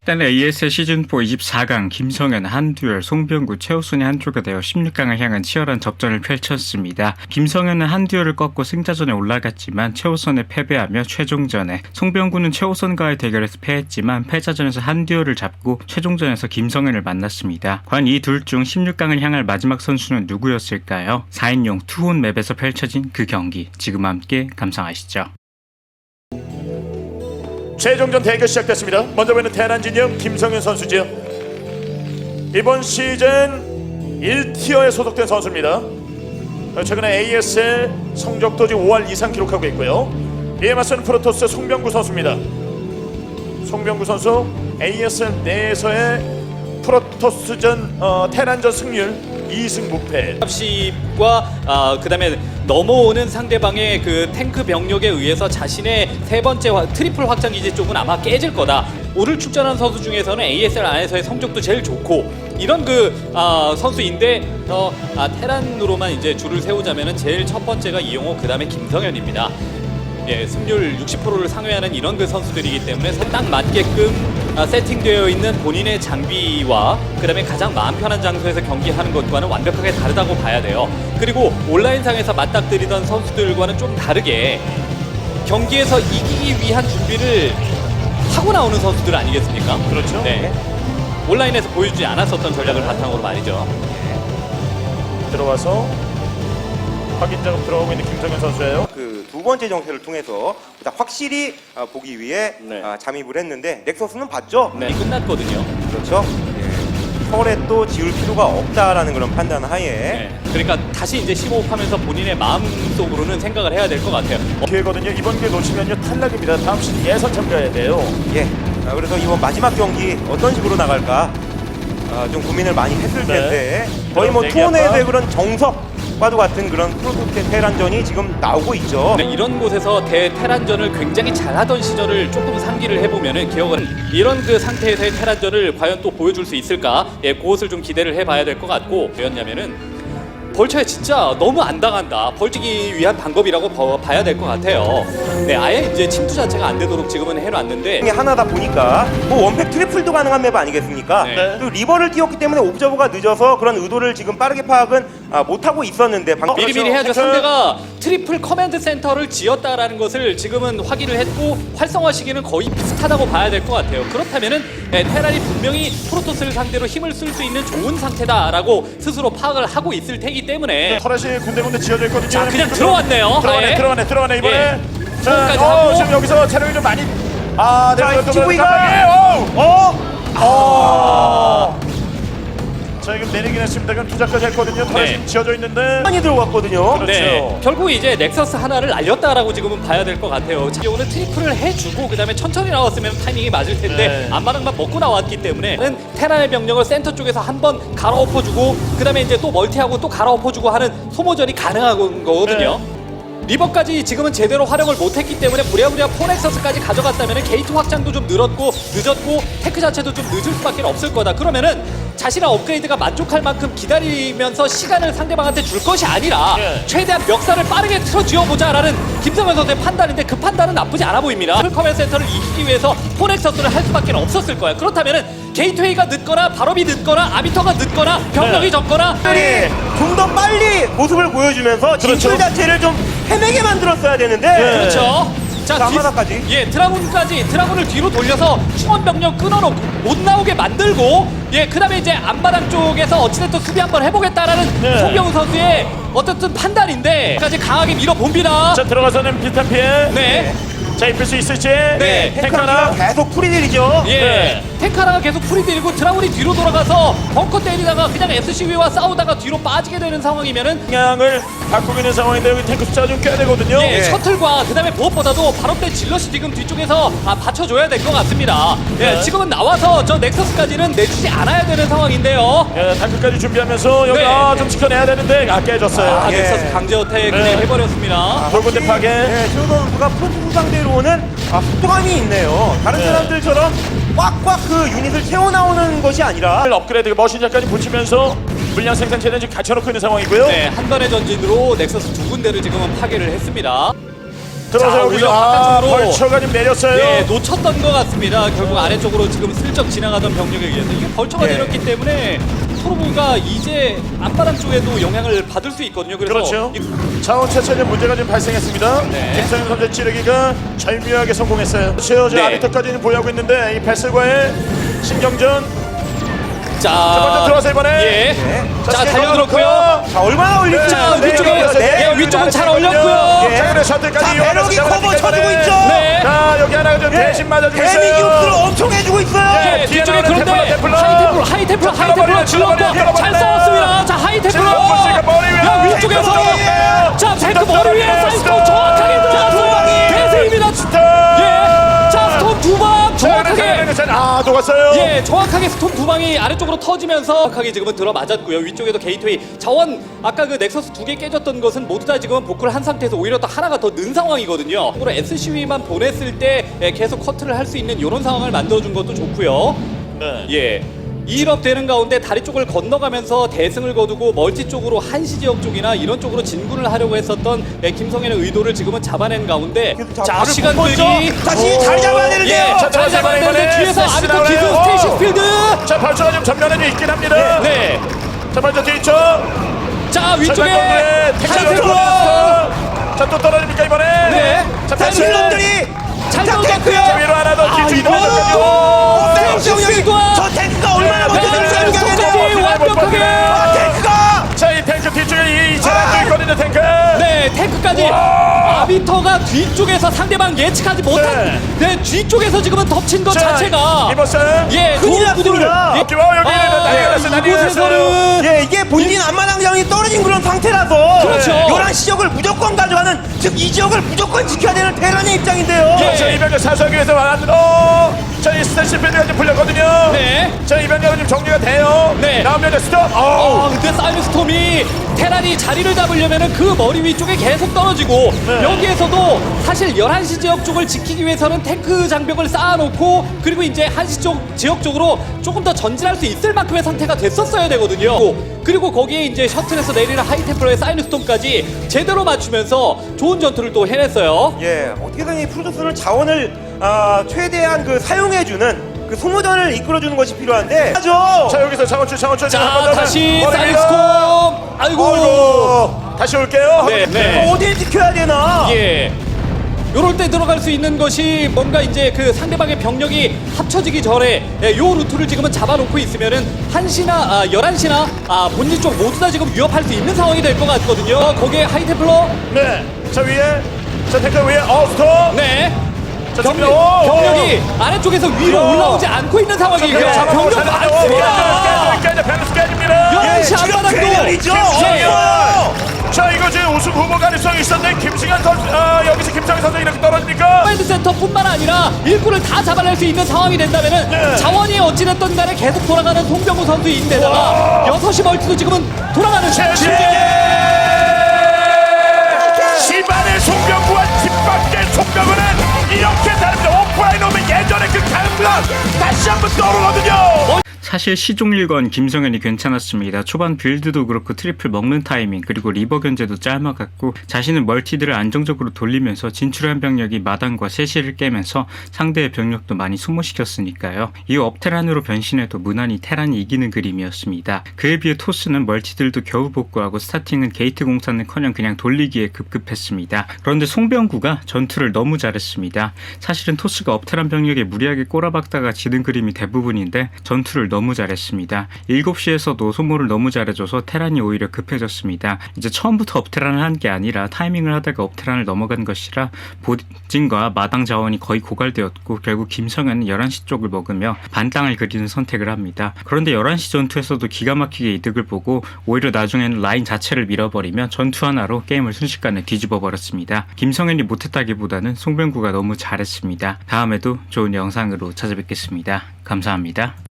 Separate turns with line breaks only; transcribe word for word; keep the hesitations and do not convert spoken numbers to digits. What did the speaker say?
일단 에이에스엘 시즌사 이십사 강 김성현, 한두열, 송병구, 최우순이 한조가 되어 십육 강을 향한 치열한 접전을 펼쳤습니다. 김성현은 한두열을 꺾고 승자전에 올라갔지만 최우선에 패배하며 최종전에, 송병구는 최우선과의 대결에서 패했지만 패자전에서 한두열을 잡고 최종전에서 김성현을 만났습니다. 과연 이 둘 중 십육 강을 향할 마지막 선수는 누구였을까요? 사 인용 투혼 맵에서 펼쳐진 그 경기, 지금 함께 감상하시죠.
최종전 대결 시작됐습니다. 먼저 보이는 테란 진영 김성현 선수지요. 이번 시즌 일 티어에 소속된 선수입니다. 최근에 에이에스엘 성적도 지금 오할 이상 기록하고 있고요. 이에 맞서는 프로토스 송병구 선수입니다. 송병구 선수 에이에스엘 내에서의 프로토스전 어, 테란전 승률 이 승 무패.
과 아, 그다음에 넘어오는 상대방의 그 탱크 병력에 의해서 자신의 세 번째 화, 트리플 확장 기지 쪽은 아마 깨질 거다. 오늘 출전한 선수 중에서는 에이에스엘 안에서의 성적도 제일 좋고 이런 그 아, 선수인데 어, 아, 테란으로만 이제 줄을 세우자면은 제일 첫 번째가 이용호, 그다음에 김성현입니다. 예, 승률 육십 퍼센트를 상회하는 이런 그 선수들이기 때문에 딱 맞게끔 아, 세팅되어 있는 본인의 장비와 그 다음에 가장 마음 편한 장소에서 경기하는 것과는 완벽하게 다르다고 봐야 돼요. 그리고 온라인상에서 맞닥뜨리던 선수들과는 좀 다르게 경기에서 이기기 위한 준비를 하고 나오는 선수들 아니겠습니까?
그렇죠.
네. 온라인에서 보여주지 않았었던 전략을 바탕으로 말이죠.
들어와서 확인 작업 들어오고 있는 김성현 선수예요.
그 두 번째 정세를 통해서 보다 확실히 아, 보기 위해
네.
아, 잠입을 했는데 넥서스는 봤죠?
네, 끝났거든요.
그렇죠? 예. 터렛도 지울 필요가 없다라는 그런 판단 하에
네. 그러니까 다시 이제 심호흡하면서 본인의 마음속으로는 생각을 해야 될 것 같아요.
기회거든요. 이번 기회 놓치면요 탈락입니다. 다음 시즌 예선 참가해야 돼요.
예. 아, 그래서 이번 마지막 경기 어떤 식으로 나갈까 아, 좀 고민을 많이 했을 텐데 거의 뭐 투혼에서의 그런 정석과도 같은 그런 프로토스 테란전이 지금 나오고 있죠.
네, 이런 곳에서 대테란전을 굉장히 잘하던 시절을 조금 상기를 해보면은 기억은 이런 그 상태에서의 테란전을 과연 또 보여줄 수 있을까? 예, 그것을 좀 기대를 해봐야 될 것 같고, 왜였냐면은 벌처에 진짜 너무 안 당한다. 벌치기 위한 방법이라고 봐- 봐야 될 것 같아요. 네, 아예 이제 침투 자체가 안 되도록 지금은 해놨는데.
중에 하나다 보니까 뭐 원팩 트리플도 가능한 맵 아니겠습니까?
네.
그 리버를 띄웠기 때문에 옵저버가 늦어서 그런 의도를 지금 빠르게 파악은 아, 못하고 있었는데 방...
미리미리 해야죠. 상대가 트리플 커맨드 센터를 지었다라는 것을 지금은 확인을 했고 활성화 시기는 거의 비슷하다고 봐야 될 것 같아요. 그렇다면은 네, 테란이 분명히 프로토스를 상대로 힘을 쓸 수 있는 좋은 상태다라고 스스로 파악을 하고 있을 테기 때문에
터렛이 군데군데 지어져 있거든요.
자, 그냥 들어왔네요.
들어가네,
아예.
들어가네, 들어가네 이번에.
예.
자,
소음까지
어,
하고.
지금 여기서 체력이 좀 많이. 아,
자,
네,
티브이가
어,
어?
어. 자, 지금 내리긴 했습니다. 그럼 투자까지 했거든요. 터렛이
네.
지어져 있는데.
많이 들어갔거든요.
그렇죠.
네, 결국 이제 넥서스 하나를 날렸다라고 지금은 봐야 될 것 같아요. 자, 오늘 트리플을 해주고 그 다음에 천천히 나왔으면 타이밍이 맞을 텐데
네.
앞마당만 먹고 나왔기 때문에 테란의 병력을 센터 쪽에서 한번 갈아엎어주고 그 다음에 이제 또 멀티하고 또 갈아엎어주고 하는 소모전이 가능한 거거든요.
네.
리버까지 지금은 제대로 활용을 못했기 때문에 부랴부랴 포넥서스까지 가져갔다면 게이트 확장도 좀 늘었고 늦었고 테크 자체도 좀 늦을 수밖에 없을 거다. 그러면은 자신의 업그레이드가 만족할 만큼 기다리면서 시간을 상대방한테 줄 것이 아니라
예.
최대한 멱살을 빠르게 틀어 쥐어보자라는 김성현 선수의 판단인데 그 판단은 나쁘지 않아 보입니다. 풀커맨 센터를 이기기 위해서 포넥서스를 할 수밖에 없었을 거야. 그렇다면은 게이트웨이가 늦거나 발업이 늦거나 아비터가 늦거나 병력이
네.
적거나
특별히 좀 더 빨리 모습을 보여주면서 진출
그렇죠.
자체를 좀 헤매게 만들었어야 되는데
그렇죠. 자,
자,
뒤-
앞마당까지.
예, 드라군까지 드라군을 뒤로 돌려서 충원 병력 끊어놓고 못 나오게 만들고 예, 그다음에 이제 앞마당 쪽에서 어찌됐든 수비 한번 해보겠다라는
네.
송병우 선수의 어쨌든 판단인데 까지 강하게 밀어봅니다.
자, 들어가서는 비슷한 피해.
네,
자, 입힐 수 있을지.
네.
탱크
탱크가
하나.
계속 풀이들이죠.
예,
네.
탱카라가 계속 풀이들고 드라군이 뒤로 돌아가서 벙커 때리다가 그냥 에스씨비와 싸우다가 뒤로 빠지게 되는 상황이면은
방향을 바꾸고 있는 상황인데 여기 탱크 숫자가 좀 꽤 되거든요.
예,
예.
셔틀과 그다음에 무엇보다도 발업된 질럿이 지금 뒤쪽에서 아, 받쳐줘야 될 것 같습니다. 예,
네.
지금은 나와서 저 넥서스까지는 내주지 않아야 되는 상황인데요.
예, 탱크까지 준비하면서 여기
네.
아, 좀 지켜내야 되는데 아, 깨졌어요.
아,
예.
넥서스 강제 어택
네.
그냥 해버렸습니다.
돌군대 파괴.
네, 최우 선수가 프로토스 상대로는 아, 속도감이 있네요. 다른
네.
사람들처럼 꽉꽉 그 유닛을 채워 나오는 것이 아니라
업그레이드 머신장까지 붙이면서 물량 생산 체는 지금 갖춰놓고 있는 상황이고요.
네, 한 번의 전진으로 넥서스 두 군데를 지금은 파괴를 했습니다.
들어서
자,
여기서
오히려
아,
바깥쪽으로
벌처가 좀 내렸어요.
네, 놓쳤던 것 같습니다. 결국 아래쪽으로 지금 슬쩍 지나가던 병력에 의해서 이게 벌처가
예.
내렸기 때문에 프로브가 이제 앞바람 쪽에도 영향을 받을 수 있거든요. 그래서
그렇죠.
이-
자원 채취에 문제가 좀 발생했습니다.
네.
김성현 선수 찌르기가 절묘하게 성공했어요. 최어제
네.
아비터까지는 보유하고 있는데 이 패슬과의 신경전
자,
먼저 들어와서 이번에
예.
네.
자, 달려들었고요.
자, 얼마나 올릴지.
자, 위쪽에 예, 위쪽은 잘 올렸고요.
예.
자, 그래 셔틀까지
자,
이용해서
배럭이
잡아내니까
커버 쳐주고
이번에.
있죠.
네.
자, 여기 하나가 좀 대신 맞아주고 있어요.
데미 기업들을 엄청 해주고 있어요.
예.
예,
뒤에
뒤쪽에
나오는
그런데
테플러, 테플러.
하이테플러, 하이테플러,
자,
하이테플러
끊어버리네,
질렀고
끊어버리네,
잘
끊어버리네.
싸웠습니다. 자, 하이테플러.
지금 포스가 머리 위에.
야, 위쪽에서
테플러.
자, 탱크
스톱
머리 위에
떨어지네,
사이스톤
스톱.
정확하게 들어갔어요. 대세입니다.
스톱.
예. 자, 스톰 두 방 정확하게.
아, 녹았어요.
예, 정확하게 스톰 두 방이 아래쪽으로 터지면서 정확하게 지금은 들어 맞았고요. 위쪽에도 게이트웨이 자원 아까 그 넥서스 두 개 깨졌던 것은 모두 다 지금은 복구를 한 상태에서 오히려 또 하나가 더 는 상황이거든요. 그리고 에스씨브이만 보냈을 때 예, 계속 커트를 할 수 있는 이런 상황을 만들어준 것도 좋고요.
네.
예. 이 업 되는 가운데 다리 쪽을 건너가면서 대승을 거두고 멀티 쪽으로 한시 지역 쪽이나 이런 쪽으로 진군을 하려고 했었던 예, 김성현의 의도를 지금은 잡아낸 가운데
그래도 자,
자,
발을
시간
못
끌기
걷죠? 다시 잘 잡아야 되는데요.
예,
자,
잘 잡아야
이번에
되는데 뒤에서
스시
아비터 기수
나오네요.
스테이시 필드
자, 벌처가 좀 전면에 좀 있긴 합니다.
네.
자, 벌처 뒤쪽.
자, 위쪽에
하이테플러. 자, 또 떨어집니까 이번에?
네.
자,
자,
패스.
실론들이
잘
자,
넣었고요.
자, 위로 하나 더
아,
뒤쪽
이거
이동하죠.
네,
탱크가 저 탱크가 얼마나
네,
버텨줄 수
네,
있는지
네, 완벽하게.
아, 탱크가
자, 이 탱크 뒤쪽에 이 차량도
아.
있거든요, 탱크.
네, 탱크까지 아비터가 뒤쪽에서 상대방 예측하지 못한 네, 뒤쪽에서 지금은 덮친 것
자,
자체가
이번 선.
예,
큰일
좋은 구도를
났습니다.
예,
여기 와, 여기
아,
난리가
예,
났어요, 난리가
이곳에서는
예, 이게 본진 안마당장이 떨어진 그런 상태라서
그렇죠.
열한 시 지역을 무조건 가져가는 즉 이 지역을 무조건 지켜야 되는 테란의 입장인데요.
예.
자, 이병렬 사수하기 위해서 왔는데, 어, 자, 이 스테이시 필드가 좀 풀렸거든요.
네.
자, 이병렬은 지금 정리가 돼요.
네.
나오면 스톱.
어,
어,
근데 사이언스톰이 테란이 자리를 잡으려면은 그 머리 위쪽에 계속 떨어지고
네.
여기에서도 사실 열한 시 지역 쪽을 지키기 위해서는 탱크 장벽을 쌓아놓고 그리고 이제 한시 쪽 지역 쪽으로 조금 더 전진할 수 있을 만큼의 상태가 됐었어야 되거든요. 그리고 거기에 이제 셔틀에서 내리는 하이템플러의 사이언스톰까지 제대로 맞추면서 좋은 전투를 또 해냈어요.
예, 어떻게든 이 프로토스를 자원을 아, 최대한 그 사용해주는 그 소모전을 이끌어주는 것이 필요한데. 하죠.
자, 여기서 장원출, 장원출.
자, 다시
머리입니다.
사이언스톰. 아이고.
어이구. 다시 올게요.
네, 네.
어, 어딜 지켜야 되나?
예. 요럴 때 들어갈 수 있는 것이 뭔가 이제 그 상대방의 병력이 합쳐지기 전에 예, 요 루트를 지금은 잡아놓고 있으면은 한시나 아, 열한 시나 아, 본진 쪽 모두 다 지금 위협할 수 있는 상황이 될 것 같거든요. 거기에 하이테플러
네. 자, 위에. 자, 탱크 위에. 어, 스톱.
네.
자,
병력,
준비. 오,
병력이 아래쪽에서 위로
야.
올라오지 않고 있는 상황이에요. 병력 많습니다.
깨져, 펜스 깨집니다.
열한 시
예, 지금
앞바닥도
괴멸이죠.
예.
없어요.
자, 이거 지금 우승 후보 가능성이 있었는데 김승현 선수, 아, 여기서 김상현 선수 이렇게 떨어집니까?
마인드 센터뿐만 아니라 일꾼을 다 잡아낼 수 있는 상황이 된다면은
네.
자원이 어찌됐든 간에 계속 돌아가는 송병구 선수인데다가 여섯 시 멀티도 지금은 돌아가는
제시! 집안의 송병구와 집 밖의 송병구는 이렇게 다릅니다. 오프라인 오면 예전에 그 강남 다시 한번 떠오르거든요.
사실 시종일관 김성현이 괜찮았습니다. 초반 빌드도 그렇고 트리플 먹는 타이밍 그리고 리버 견제도 짤막았고 자신은 멀티들을 안정적으로 돌리면서 진출한 병력이 마당과 세시를 깨면서 상대의 병력도 많이 소모시켰으니까요. 이후 업테란으로 변신해도 무난히 테란이 이기는 그림이었습니다. 그에 비해 토스는 멀티들도 겨우 복구하고 스타팅은 게이트 공사는커녕 그냥 돌리기에 급급했습니다. 그런데 송병구가 전투를 너무 잘했습니다. 사실은 토스가 업테란 병력에 무리하게 꼬라박다가 지는 그림이 대부분인데 전투를 너무 잘했습니다. 일곱 시에서도 소모를 너무 잘해줘서 테란이 오히려 급해졌습니다. 이제 처음부터 업테란을 한 게 아니라 타이밍을 하다가 업테란을 넘어간 것이라 보진과 마당 자원이 거의 고갈되었고 결국 김성현은 열한 시 쪽을 먹으며 반땅을 그리는 선택을 합니다. 그런데 열한 시 전투에서도 기가 막히게 이득을 보고 오히려 나중에는 라인 자체를 밀어버리며 전투 하나로 게임을 순식간에 뒤집어 버렸습니다. 김성현이 못했다기보다는 송병구가 너무 잘했습니다. 다음에도 좋은 영상으로 찾아뵙겠습니다. 감사합니다.